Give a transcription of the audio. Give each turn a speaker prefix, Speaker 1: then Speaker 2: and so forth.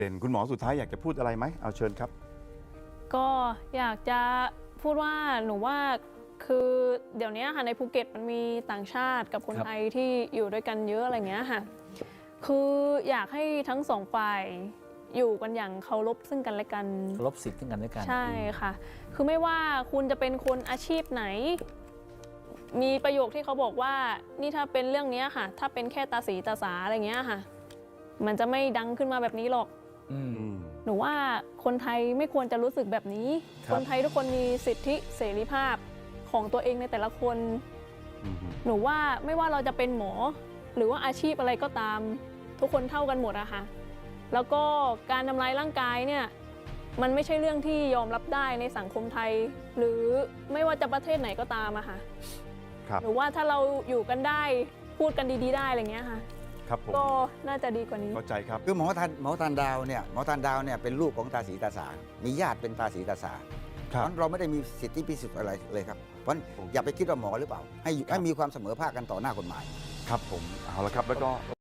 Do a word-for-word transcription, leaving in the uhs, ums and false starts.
Speaker 1: เด่นคุณหมอสุดท้ายอยากจะพูดอะไรไหมเอาเชิญครับ
Speaker 2: ก็อยากจะพูดว่าหนูว่าคือเดี๋ยวนี้ค่ะในภูเก็ตมันมีต่างชาติกับคนไทยที่อยู่ด้วยกันเยอะอะไรเงี้ยค่ะคืออยากให้ทั้งสองฝ่ายอยู่กันอย่างเคารพซึ่งกันและกัน
Speaker 3: เคารพสิทธิ์ซึ่งกันและกัน
Speaker 2: ใช่ค่ะคือไม่ว่าคุณจะเป็นคนอาชีพไหนมีประโยคที่เขาบอกว่านี่ถ้าเป็นเรื่องนี้ค่ะถ้าเป็นแค่ตาสีตาสาอะไรเงี้ยค่ะมันจะไม่ดังขึ้นมาแบบนี้หรอกหนูว่าคนไทยไม่ควรจะรู้สึกแบบนี้คนไทยทุกคนมีสิทธิเสรีภาพของตัวเองในแต่ละคนหนูว่าไม่ว่าเราจะเป็นหมอหรือว่าอาชีพอะไรก็ตามทุกคนเท่ากันหมดอะค่ะแล้วก็การทำร้ายร่างกายเนี่ยมันไม่ใช่เรื่องที่ยอมรับได้ในสังคมไทยหรือไม่ว่าจะประเทศไหนก็ตามอะค่ะหรือว่าถ้าเราอยู่กันได้พูดกันดีๆได้อะไรเงี้ยค่ะก็น่าจะดีกว่านี้
Speaker 1: เข้าใจครับ
Speaker 4: คือหมอทันหมอทันดาวเนี่ยหมอทันดาวเนี่ยเป็นลูกของตาสีตาสามีญาติเป็นตาสีตาสาเพราะเราไม่ได้มีสิทธิพิเศษอะไรเลยครับเพราะอย่าไปคิดว่าหมอหรือเปล่าให้ให้มีความเสมอภาคกันต่อหน้ากฎหมาย
Speaker 1: ครับผมเอาละครับแล้วก็